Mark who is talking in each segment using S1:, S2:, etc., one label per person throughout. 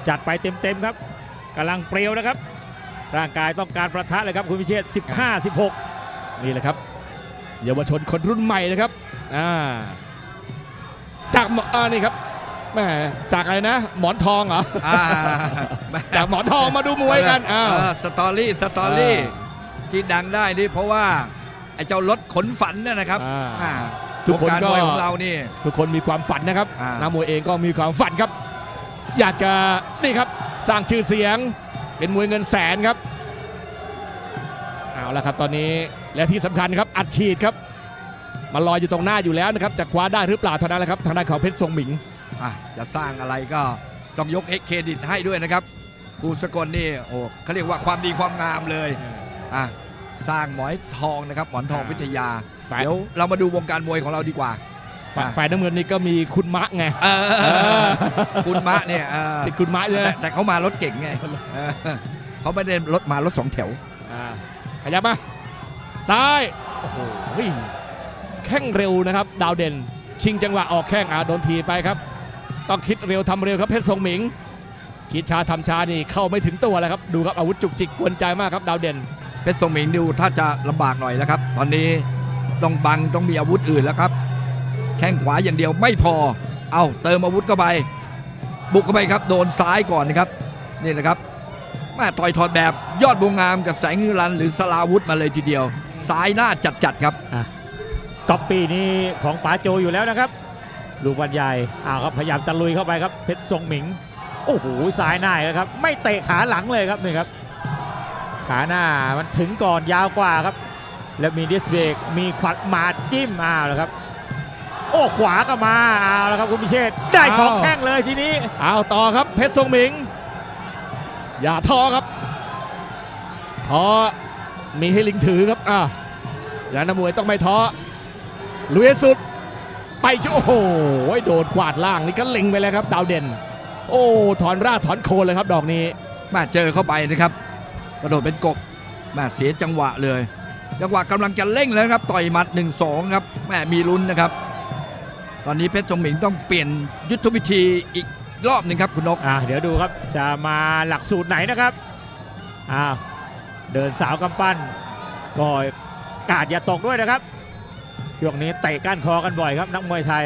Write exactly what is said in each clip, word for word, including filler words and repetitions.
S1: จัดไปเต็มๆครับกำลังเปรี้ยวนะครับร่างกายต้องการประทะเลยครับคุณพิเชษสิบห้า สิบหก
S2: นี่แหละครับเยาวชนคนรุ่นใหม่นะครับอ่าจากอ่านี่ครับแม่จากอะไรนะหมอนทองเหรอจากหมอนทองมาดูมวยกันอ่า
S3: สตอรี่สตอรี่ที่ดังได้นี่เพราะว่าไอ้เจ้ารถขนฝันเนี่ยนะครับ
S2: ทุกคนก็
S3: ของเรานี่
S2: ทุกคนมีความฝันนะครับนักมวยเองก็มีความฝันครับอยากจะนี่ครับสร้างชื่อเสียงเป็นมวยเงินแสนครับเอาละครับตอนนี้และที่สำคัญครับอัดฉีดครับมาลอยอยู่ตรงหน้าอยู่แล้วนะครับจะคว้าได้หรือเปล่าเท่านั้นแหละครับทางด้านของเพชรทรงหมิง
S3: จะสร้างอะไรก็ต้องยกเครดิตให้ด้วยนะครับครูสกลนี่โอ้เขาเรียกว่าความดีความงามเลยอ่ะสร้างหมอนทองนะครับหมอนทองวิทยาเดี๋ยวเรามาดูวงการมวยของเราดีกว่า
S2: ฝ่ายน้ำเงินนี่ก็มีคุณมะไง
S3: คุณมะเนี่ย
S2: สิคุณมะเลย
S3: แต่เขามารถเก่งไงเขาไม่ได้รถมารถสองแถว
S2: ขยับมาซ้ายโอ้โหแข้งเร็วนะครับดาวเด่นชิงจังหวะออกแข้งอ่ะโดนทีไปครับต้องคิดเร็วทำเร็วครับเพชรทรงหมิงคิดช้าทำช้านี่เข้าไม่ถึงตัวแล้วครับดูครับอาวุธจุกจิกกวนใจมากครับดาวเด่น
S3: เพชรทรงหมิงดูถ้าจะลำบากหน่อยแล้วครับตอนนี้ต้องบังต้องมีอาวุธอื่นแล้วครับแข้งขวาอย่างเดียวไม่พอเอาเติมอาวุธเข้าไปบุกเข้าไปครับโดนซ้ายก่อนนะครับนี่นะครับแม่ต่อยถอดแบบยอดบวงงามกับแสงนิรันดร์หรือสลาวุธมาเลยทีเดียวซ้ายหน้าจัดๆครับ
S1: ก๊อปปี้นี้ของป๋าโจอยู่แล้วนะครับลูกบอลใหญ่อ้าวครับพยายามจะลุยเข้าไปครับเพชรทรงหมิงโอ้โหซ้ายหน้าครับไม่เตะขาหลังเลยครับนี่ครับขาหน้ามันถึงก่อนยาวกว่าครับแล้วมีดิสเบรกมีขวัดหมาดจิ้มอ้าวแล้วครับโอ้ขวาก็มาอ้าวแล้วครับคุณพิเชษได้สองแข้งเลยทีนี้
S2: อ้าวต่อครับเพชรทรงหมิงอย่าท้อครับท้อมีให้ลิงถือครับอ่าแล้วนักมวยต้องไม่ท้อลุยสุดไปโอ้โหโดนกวาดล่างนี่ก็เล็งไปแล้วครับดาวเด่นโอ้ถอนรากถอนโคนเลยครับดอกนี้
S3: มาเจอเข้าไปนะครับกระโดดเป็นกบมาเสียจังหวะเลยจังหวะกำลังจะเร่งแล้วครับต่อยหมัด หนึ่งสอง ครับแม่มีลุ้นนะครับตอนนี้เพชรทรงหมิงต้องเปลี่ยนยุทธวิธีอีกรอบหนึ่งครับคุณนก
S1: อ่าเดี๋ยวดูครับจะมาหลักสูตรไหนนะครับอ่าเดินสาวกำปั้นก็กาดอย่าตกด้วยนะครับช่วงนี้เตะก้านคอกันบ่อยครับนักมวยไทย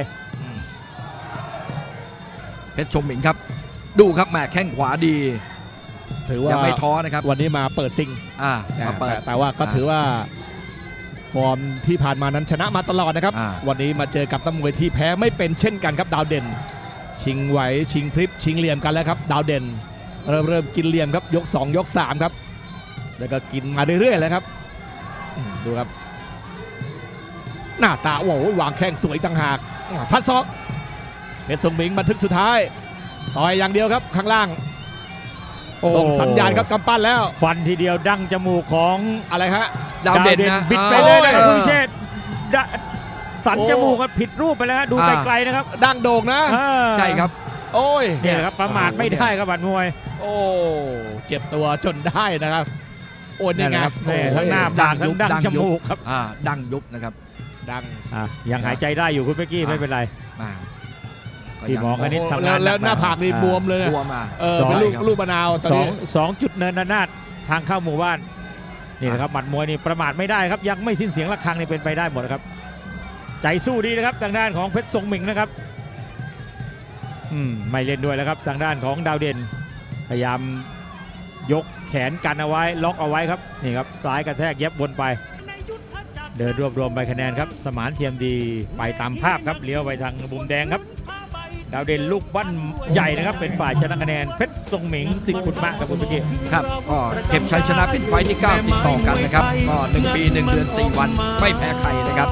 S3: เพชรทรงหมิงครับดูครับแม่แข้งขวาดี
S2: ถือว่า
S3: ยังไม่ท้อนะครับ
S2: วันนี้มาเปิดซิง
S3: อ่ามาเปิด
S2: แต่ว่าก็ถือว่าฟอร์มที่ผ่านมานั้นชนะมาตลอดนะครับวันนี้มาเจอกับนักมวยที่แพ้ไม่เป็นเช่นกันครับดาวเด่นชิงไหวชิงพลิบชิงเหลี่ยมกันแล้วครับดาวเด่นเริ่มเริ่มกินเหลี่ยมครับยกสองยกสามครับแล้วก็กินมาเรื่อยๆเลยครับดูครับหน้าตาโอ้โหวางแข้งสวยต่างหากฟัดซอกเพชรทรงหมิงบันทึกสุดท้ายต่อยอย่างเดียวครับข้างล่างส่งสัญญาณครับกำปั้นแล้ว
S1: ฟันทีเดียวดั้งจมูกของ
S2: อะไรฮะ
S1: ดาวเด่นนะบิดไปเลยนะครับคุณเชษสันจมูกผิดรูปไปแล้วดูไกลๆนะครับ
S2: ดั้งโด่งนะ
S3: ใช่ครับ
S2: โอ้ย
S1: เนี่ยครับประมาทไม่ได้ครับบัดมวย
S2: โอ้เจ็บตัวจนได้นะครับโอ้นี่ไง
S1: ทั้งหน้าปากทั้งดั้งจมูกครับ
S3: อ่าดั้งยุบนะครับ
S2: ดัง
S1: ยังหายใจได้อยู่คุณเป๊กกี้ไม่เป็นไรที่หมอคณิตทำงาน
S2: แล้วหน้าผากนี่บวมเลย
S3: บวมอ่ะ
S2: เออเป็นลูกลูกมะนาว
S1: สองสองจุดเนินนาดทางเข้าหมู่บ้านนี่นะครับหมัดมวยนี่ประมาทไม่ได้ครับยังไม่สิ้นเสียงระฆังนี่เป็นไปได้หมดครับใจสู้ดีนะครับทางด้านของเพชรทรงหมิงนะครับอืมไม่เล่นด้วยแล้วครับทางด้านของดาวเด่นพยายามยกแขนกันเอาไว้ล็อกเอาไว้ครับนี่ครับซ้ายกระแทกเย็บวนไปเดินรวบรวมใบคะแนนครับสมานเทียมดีไปตามภาพครับเลี้ยวไปทางมุมแดงครับดาวเด่นลูกบ้านใหญ่นะครับเป็นฝ่ายชนะคะแนนเพชรทรงหมิงสิทธิ์ขุนมากครับคุณเมื่อกี้
S3: ครับก็เก็บชัยชนะเป็นไฟที่เก้าติดต่อกันนะครับก็หนึ่งปีหนึ่งเดือนสี่วันไม่แพ้ใครนะครับ